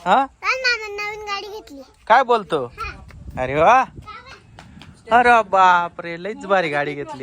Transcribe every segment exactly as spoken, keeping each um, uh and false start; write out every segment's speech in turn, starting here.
हा नवीन गाडी घेतली. काय बोलतो? अरे वा, अरे बाप रे, लईच भारी गाडी घेतली.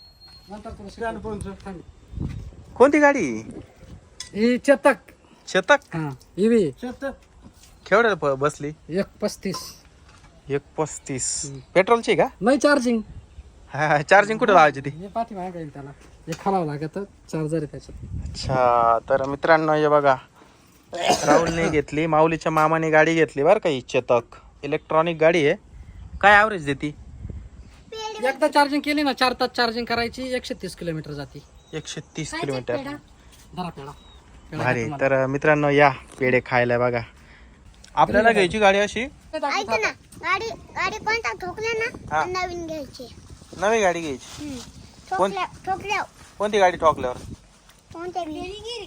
कोणती गाडी? ही चेतक. शतक. हा ईव्ही केवढ्याला प- बसली? एक पस्तीस. एक पस्तीस. पेट्रोलची का? नाही चार्जिंग. हा, चार्जिंग कुठे लावायची ती? हे पाठी मागे येईल त्याला, हे खालावं लागत चार्जर आहे त्याच्यात. अच्छा, तर मित्रांनो हे बघा, राहुलने घेतली, माऊलीच्या मामाने गाडी घेतली बरं का, ही चेतक इलेक्ट्रॉनिक गाडी आहे. काय ॲव्हरेज देती? एकदा चार्जिंग केली ना, चार तास चार्जिंग करायची, एकशे तीस किलोमीटर जाते. एकशे तीस किलोमीटर. धरा पेढा. भारी. तर मित्रांनो या पेढे खायला बघा. आपल्याला घ्यायची गाडी अशी. ऐक ना, गाडी गाडी कोणता ठोकल्या हा. ना नवीन घ्यायची. नवी गाडी घ्यायची. हम्म. ठोकल्या ठोकल्या कोणती गाडी ठोकल्यावर? कोणत्या बी.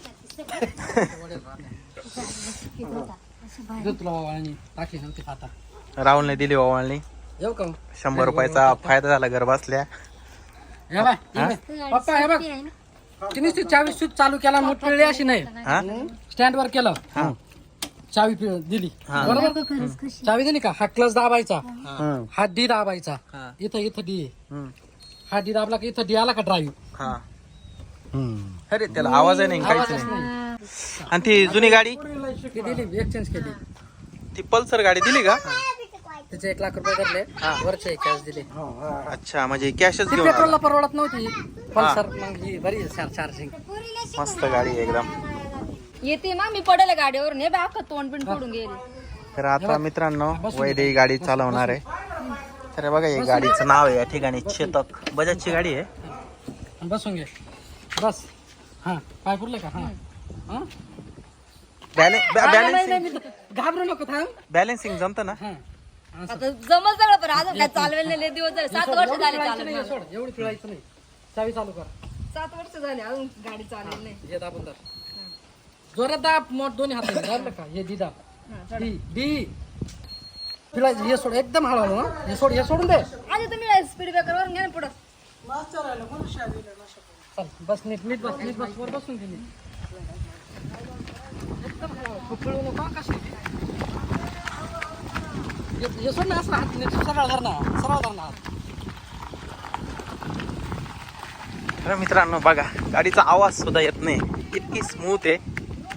दूध तुला वावळणी टाकली नव्हती खाता. राहुलने दिली ओवाळणी. येऊ का? शंभर रुपयाचा फायदा झाला घर बसल्या. हे बाय, हे बघ. पप्पा हे बघ, तिने चावी स्विच चालू केला, मूठ पिळली अशी नाही, हा स्टँड वर केलं, हा चावी पिळ- दिली हा. बरोबर. चावी दिली का, हा क्लच दाबायचा, हम्म. हा डी दाबायचा, हा. इथं इथं डी, हम्म. हा डी दाबला की इथं डी आला का ड्राईव्ह. हा. अरे त्याला आवाज आहे नाही, काहीच नाही. आणि ती जुनी गाडी, ती दिली, एक्सचेंज केली. ती पल्सर गाडी दिली का? तिचे एक लाख रुपये धरले, वरचे कॅश दिले. अच्छा, म्हणजे कॅशच ती घेऊन पेट्रोलला आला. परवडत नव्हती पल्सर, मग ही बरी चार्जिंग. मस्त गाडी आहे एकदम. येते ना, मी पडेल गाडीवर, हे बाय तोंड पण फोडून गेले. तर आता मित्रांनो वैदे ही गाडी चालवणार आहे. तर बघा हे गाडीचं नाव आहे या ठिकाणी चेतक, बजाजची गाडी आहे. बसून घे, बस. हा, पाय पुरले का? हा, हा? बॅलेन्स नाही, नाही, बॅलेन्सिंग नाही, घाबरू नको, थांब. बॅलेन्सिंग जमतं ना? हा. आता जमल सगळं, पण अजून काय चालवेल नाही. लय दिवस झाले, सात वर्ष एवढी झाले पिळायचं नाही, चालवेल. सोड, एवढी पिळायचं नाही. चावी चालू कर. सात वर्ष झाले अजून गाडी चालवेल नाही. हे दाबून धर. जोरात दाब, मोठ दोन्ही हाताने धरलं का, हे दी दाब. डी डी पिळायचं, हे सोड, एकदम हळूहळू. हा, हे सोड, हे सोडून दे. आधी तुम्ही स्पीड ब्रेकर वर घ्या ना पुढं. चल बस, नीट नीट बस, नीट बस, वर बसून घे नीट. एकदम हळूहळू, खूप पिळू नको, कशी. हे सोड ना, असं हात नीट सरळ धर ना, सरळ धर ना. तर मित्रांनो बघा, गाडीचा आवाज सुद्धा येत नाही, इतकी स्मूथ आहे.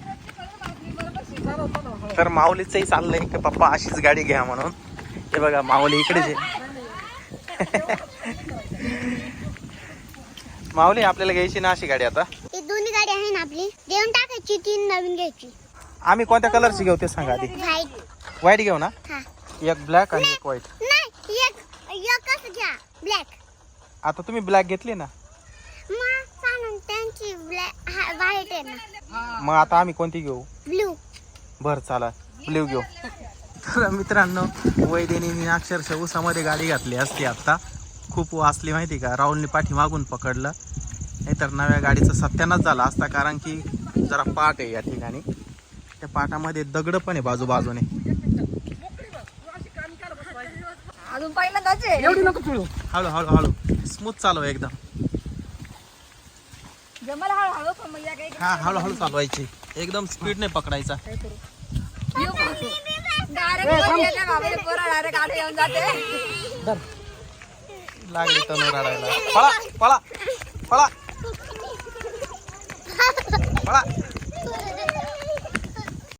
तर माऊलीचंही चाललंय की पप्पा अशीच गाडी घ्या म्हणून. हे बघा माऊली इकडेच आहे. माऊली आपल्याला घ्यायची ना अशी गाडी आता? ही दोन्ही गाडी आहे ना आपली, देऊन टाकायची, तीन नवीन घ्यायची. आम्ही कोणत्या कलरची घेऊ ते सांगा आधी. व्हाईट. व्हाईट घेऊ ना? हा. एक ब्लॅक आणि एक व्हाईट. नाही, एक एकच घ्या, ब्लॅक. आता तुम्ही ब्लॅक घेतली ना, मग सांगून त्यांची ब्लॅक व्हाईट आहे ना. मग आता आम्ही कोणती घेऊ? ब्लू. बर चला ब्ल्यू घेऊ. तर मित्रांनो वैदेनी अक्षरशः उसामध्ये गाडी घातली असती आता, खूप वाचली माहिती का. राहुलने पाठी मागून पकडलं, नाहीतर नव्या गाडीचा सत्यानाश झाला असता. कारण की जरा पाट आहे या ठिकाणी, त्या पाटामध्ये दगड पण आहे बाजूबाजूने. अजून पहिल्यांदाच आहे. एवढी नको पिळू. हळू हळू हळू स्मूथ चालव एकदम. जमल हळूहळू, पण मग या काही हा हळूहळू चालवायची, एकदम स्पीड नाही पकडायचा. डायरेक्ट बाबा पोरा डायरेक्ट गाडी येऊन जाते. धर. लागली तनू रडायला. पळा पळा पळा.